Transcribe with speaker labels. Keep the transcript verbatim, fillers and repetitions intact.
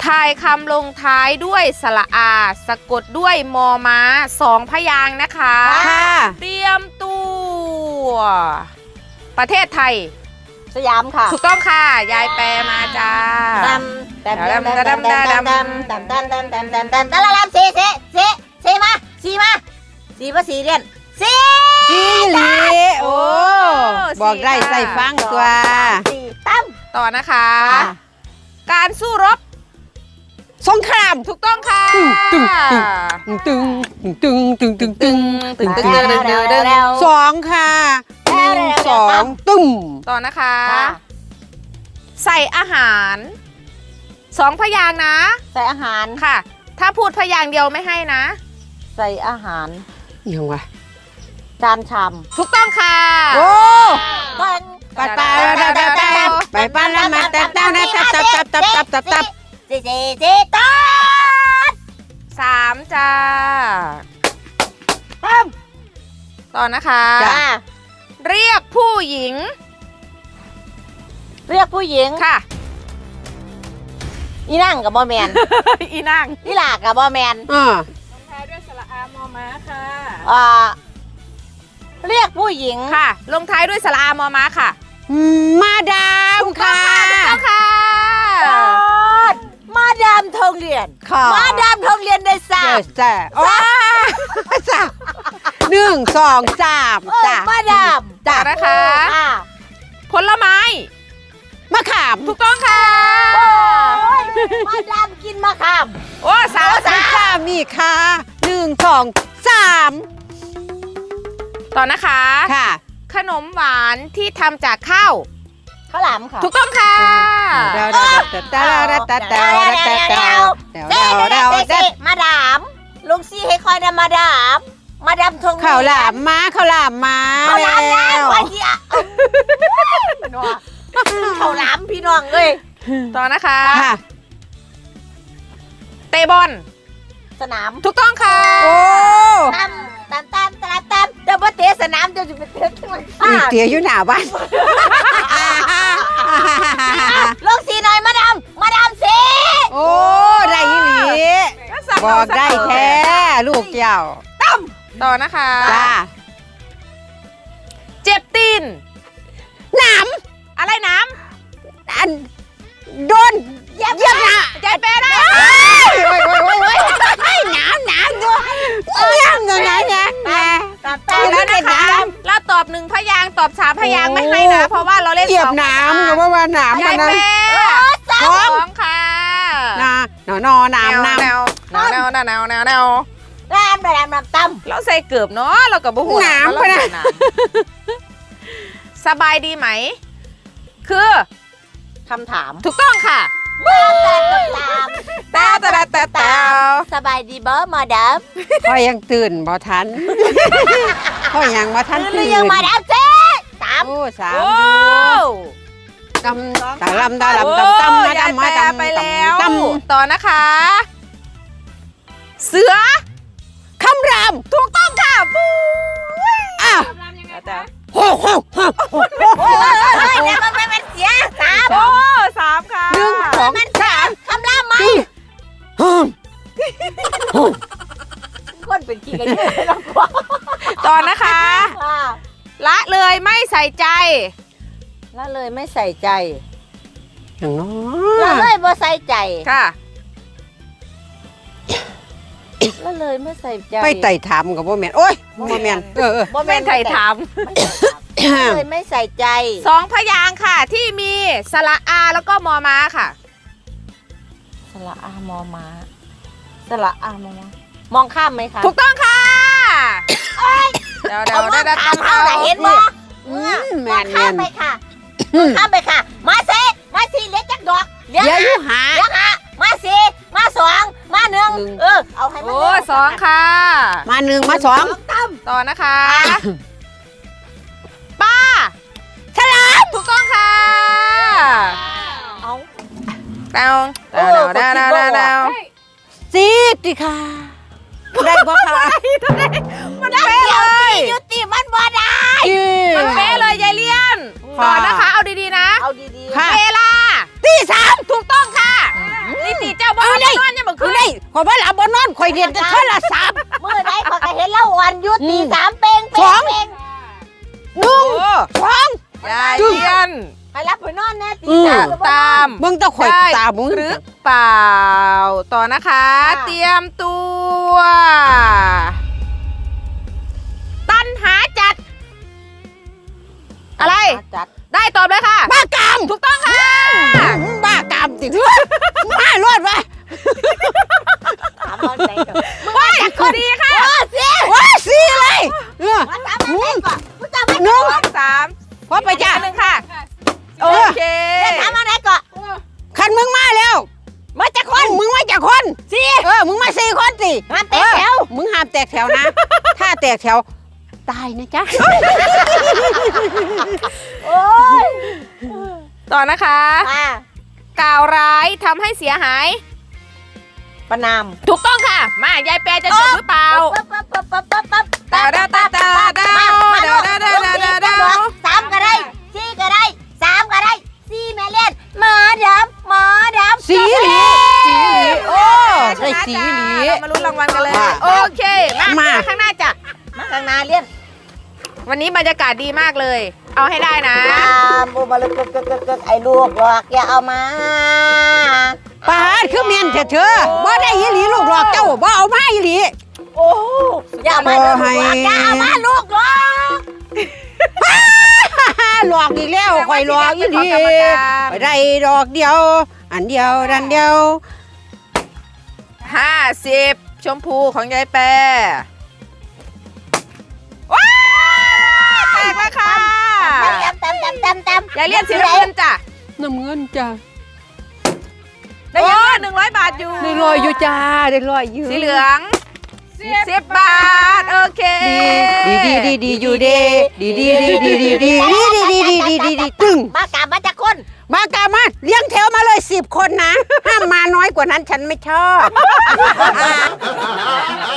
Speaker 1: ทายคำลงท้ายด้วยสระอาสะกดด้วยมอม้าสองพยางค์นะคะ
Speaker 2: ค่ะ
Speaker 1: เตรียมตัวประเทศไทย
Speaker 3: สยามค่ะ
Speaker 1: ถูกต้องค่ะยายแปลมาจ้า
Speaker 3: ดำดำดำดำดำดำดำดำดำดำดำดำดำดำดำดำสีสีสีสีมาสีมาสีมาสีเรียนสี
Speaker 2: สีหลีโอ้บอกได้ใส่ฟังตัว
Speaker 3: สีตั้ม
Speaker 1: ต่อนะคะการสู้รบ
Speaker 2: สงคราม
Speaker 1: ถูกต้องค่ะ
Speaker 2: ตึงตึงตึงตึงตึงตึงตึงตึงตึงตึงตึงตึงสองค่ะหนึ่งสองตึ้ม
Speaker 1: ต่อนะคะใส่อาหารสองพยางค์นะ
Speaker 3: ใส่อาหาร
Speaker 1: ค่ะถ้าพูดพยางค์เดียวไม่ให้นะ
Speaker 3: ใส่อาหาร
Speaker 2: ยังวะ
Speaker 3: จานชาม
Speaker 1: ถูกต้องค่ะ
Speaker 2: โอ้
Speaker 3: ปัน
Speaker 2: ปัดปัดปัดปัดไปปัดแล้วมาตับตับตับตับตับตับตับตับ
Speaker 3: สี่สี่สี่ตับ
Speaker 1: สามจ้า
Speaker 3: ตั้ม
Speaker 1: ต่อนะคะ
Speaker 3: จ้า
Speaker 1: เรียกผู้หญิง
Speaker 3: เรียกผู้หญิง
Speaker 1: ค่ะ
Speaker 3: อีนั่งกับบอแมน
Speaker 1: อีนั่ง
Speaker 3: อีหลากกับบอแมน
Speaker 2: อ่า
Speaker 1: ลงท้ายด้วยสระอามอม้าค่ะ
Speaker 3: อ่าเรียกผู้หญิง
Speaker 1: ค่ะลงท้ายด้วยสระอามอม้าค่ะ
Speaker 2: มาดามค่ะ
Speaker 1: ถูกต้องค่ะ
Speaker 3: มาดามทองเรียนมาดามทองเรียนได้สาม
Speaker 2: จ้าโอ้สามหนึ่งสองสามจ้า
Speaker 3: มาดาม
Speaker 1: จ้านะคะผลไม้
Speaker 2: มะขาม
Speaker 1: ถูกต้องค่ะ
Speaker 3: มาดามกินมะขาม
Speaker 1: โอ้สาวส
Speaker 2: ามมีค่ะหนึ่งสองสาม
Speaker 1: ต่อนะคะ
Speaker 2: ค่ะ
Speaker 1: ขนมหวานที่ทำจากข้าว
Speaker 3: ข้าวหลามค่ะ
Speaker 1: ถูกต้องค่ะ
Speaker 3: เดาเดาเดาเดาเดาเดาเดาเดามาดามลุงซี่ให้คอยนะมาดามมาดามทง
Speaker 2: ข้าวหลามมาข้าวหลามมา
Speaker 3: ข้าวหลามนะวันที่อ่ะข้าวหลามพี่น้องเลย
Speaker 1: ต่อนะคะเตะบอล
Speaker 3: สนาม
Speaker 1: ถูกต้องค่ะ
Speaker 2: โอ้
Speaker 3: ตามตามตามตามตามแต่ว่าเตะสนามจะไปเตะที่มัน
Speaker 2: เตะอยู่หน้าบ้าน
Speaker 3: ลูกสีหน่อยมาดามมาดามสี
Speaker 2: โอ้ได้ยี่หลีบอกได้แท้ลูกเจ้า
Speaker 3: ตั้ม
Speaker 1: ต่อนะคะ
Speaker 2: จ้า
Speaker 1: เจ็บตีน
Speaker 2: น้
Speaker 1: ำอะไรน้
Speaker 2: ำอันโดน
Speaker 3: เย็บเย็บนะ
Speaker 1: ใจแปรได้
Speaker 2: โอ้ยโอ้ยโอ้ยโอ้ยหนาวหนาวด้วยเยี่ยมเลยนะเนี่ย
Speaker 1: ตอบแล้วนะคะเราตอบหนึ่งพยางตอบสามพยางไม่ให้นะเพราะว่าเราเล่น
Speaker 2: สองน้ำก็ว่าว่าน้ำ
Speaker 1: ใจแปรสองค่ะ
Speaker 2: น่ะนอนอน้ำน้ำ
Speaker 1: แนวแนวแนวแนวแนวแนว
Speaker 3: น้ำน้ำน้ำตั้ม
Speaker 1: เราใส่เกือบเนาะเรากับบุหัว
Speaker 2: น้ำไปนะ
Speaker 1: สบายดีไหมคือ
Speaker 3: คำถาม
Speaker 1: ถูกต้องค่ะ
Speaker 3: ตาตาตาตาตาสบายดีบ่มาดาม
Speaker 2: พ่อยังตื่นบ่ทันพ่อยังมาทันตื่น
Speaker 3: ยังมาดามเจ๊สาม
Speaker 2: โอ้สามตำตาลำตาลำตำตำมาดำมาดำ
Speaker 1: ไปแล้วต่อนะคะเสือ
Speaker 2: คำราม
Speaker 1: ถูกต้องค่ะปู
Speaker 2: อ้าวโอ้โหโอ้โห
Speaker 3: โอ้ยแล้วมันเป็นเสียสาม
Speaker 1: โอ้สามค่ะ
Speaker 2: หนึ่งสอง
Speaker 3: สามคำรามไหมคนเป็นกี่กันเยอะแล้วกว่า
Speaker 1: ต่อนะคะละเลยไม่ใส่ใจ
Speaker 3: ละเลยไม่ใส่ใจ
Speaker 2: อย่างน้
Speaker 3: อยละเลยไม่ใส่ใจ
Speaker 1: ค่ะ
Speaker 3: ละเลยไม่ใส่ใจ
Speaker 2: ไปไต่ถามกับโบแมนโอ้ยโบแมนเออ
Speaker 1: โบแมนไต่ถาม
Speaker 3: เลยไม่ใส่ใจ
Speaker 1: สองพยางค่ะที่มีสระอาแล้วก็มอม้าค่ะ
Speaker 3: สระอามอม้าสระอามอม้ามองข้ามไหมคะ
Speaker 1: ถูกต้องค่ะเดี๋ยวเดี๋ยว
Speaker 3: ได้ข้ามเอาเห็นบ่มองข้ามไปค่ะข้ามไปค่ะมาเซมาสีเล็กจักดอก
Speaker 2: เดี๋ยวอยู่หา
Speaker 3: เดี๋ยวหามาสี่มาสองมาหนึ่งเออเอาให้มัน
Speaker 1: โอ้สองค่ะ
Speaker 2: มาหนึ่งมาสอง
Speaker 1: ต่อนะคะป้า
Speaker 2: ฉลาม
Speaker 1: ถูกต้องค่ะ
Speaker 3: เอา
Speaker 1: ดาวดาวดาวดาวดาวดาว
Speaker 2: ซีดิค่ะได้บ่ค่ะ
Speaker 1: มันเป๊ะเลย
Speaker 3: ยุติมันบ่ได้
Speaker 1: มันเป๊ะเลยยายเลี้ยนต่อนะคะเอาดีๆนะ
Speaker 3: เอาดี
Speaker 1: ๆเวลา
Speaker 2: ตีสาม
Speaker 1: ถูกต้องค่ะนิติเจ้าบ่
Speaker 2: ข่อยบ่หลับบ่นอนข่อยเรียนแต่โทรศัพท์
Speaker 3: มื้อใดข้อยก็เห็นเล่าวันหยุด
Speaker 2: อืม
Speaker 3: ตีสามเป้ง
Speaker 2: ส
Speaker 3: เป้
Speaker 2: อง ง
Speaker 3: เป้ง
Speaker 2: หนึ่งสอง
Speaker 1: ยายเลียน
Speaker 3: ให้รับไปนอนแน่ตี
Speaker 2: อืม
Speaker 3: สาม
Speaker 1: ตาม
Speaker 2: มึงต้องข่อย
Speaker 1: ได้
Speaker 2: ตามึง
Speaker 1: หรือเปล่า ต่อนะคะ
Speaker 3: ค่ะ
Speaker 1: เตรียมตัว ตันหาจัด อะไร
Speaker 3: จัด
Speaker 1: ได้ตอบเลยค่ะ
Speaker 2: บ้ากาม
Speaker 1: ถูกต้องค่ะ
Speaker 2: บ้ากามติมารอดวะ
Speaker 3: ถามเอาใจก่อน
Speaker 1: ว้ายข้อดีค่ะ
Speaker 2: ว้าสีเลยเออ
Speaker 3: มาถามเอาใจก่อนมึงจำไม่
Speaker 2: หนึ่ง
Speaker 1: สองสาม
Speaker 2: พอไปจ้ะ
Speaker 1: อีกอันหนึ่งค่ะ โอเค
Speaker 3: ได้ถามอะไรก่อน
Speaker 2: คันมึงมาแล้ว มาจากคนมึงมาจากคนสี่เออมึงมาสี่คนสิ
Speaker 3: ห้ามเตะแถว
Speaker 2: เออมึงห้ามแตกแถวนะ ถ้าแตกแถวตายนะจ๊ะ
Speaker 3: โอ้ย
Speaker 1: ต่อนะคะ
Speaker 3: อ่าก
Speaker 1: ล่าวร้ายทำให้เสียหาย
Speaker 3: ประนาม
Speaker 1: ถูกต้องค่ะ มายายแปรจะจบหรือเปล่า
Speaker 3: ปั๊บปั๊บปั๊บปั๊บปั๊บปั๊บ
Speaker 1: ตาดาตาดาดา
Speaker 3: มามา
Speaker 1: ดาดาดาดาดาดา
Speaker 3: สามก็ได้สี่ก็ได้สามก็ได้สี่แม่เล่นหมาดำหมาดำ
Speaker 2: สีหลีสีหลีโอ้ได้สีหลี
Speaker 1: เรามาลุ้นรางวัลกันเลย
Speaker 2: อ่ะ
Speaker 1: โอเค มา
Speaker 2: มา
Speaker 1: ข้างหน้าจ้ะ
Speaker 3: มาข้างหน้าเล่น
Speaker 1: วันนี้บรรยากาศดีมากเลย เอาให้ได้นะ
Speaker 3: ตามบูมาลึกกึกกึกกึกกึกไอ้ลูกหลอกอย่าเอามา
Speaker 2: ปาดคือเมียนเถอะเธอบ่ได้อีหลีลูกหลอกเจ้าบ่เอามาอีหลี
Speaker 3: โอ้อย่าเอามาลูกหลอก
Speaker 2: ให้
Speaker 3: อย่าเอามาลูกหลอก
Speaker 2: หลอกอีกแล้วข่อยหลอกอีหลี
Speaker 1: เป็นของกรรมการ
Speaker 2: ไปได้ดอกเดียว อันเดียวดันเดียว
Speaker 1: ห้าสิบชมพูของยายแปรว้าวแตกแล้วค่ะ
Speaker 3: เต็มเต็มเต็มเต็ม
Speaker 1: ยายเลียนสีน้ำเงินจ้ะ
Speaker 2: น้ำเงินจ้า
Speaker 1: ได้เยอะหนึ่งร้อยบาทอยู่
Speaker 2: ได้ลอยอยู่จ้าได้ลอยอยู่
Speaker 1: สีเหลืองสิบบาท โอเค
Speaker 2: ดีดีดีดีอยู่เด้ดีดีดีดีดีดีดีดีดีดีดีดีดีตึง
Speaker 3: มากราบมาจากคน
Speaker 2: มากามาเลี้ยงแถวมาเลยสิบคนนะ ห้ามมาน้อยกว่านั้นฉันไม่ชอบ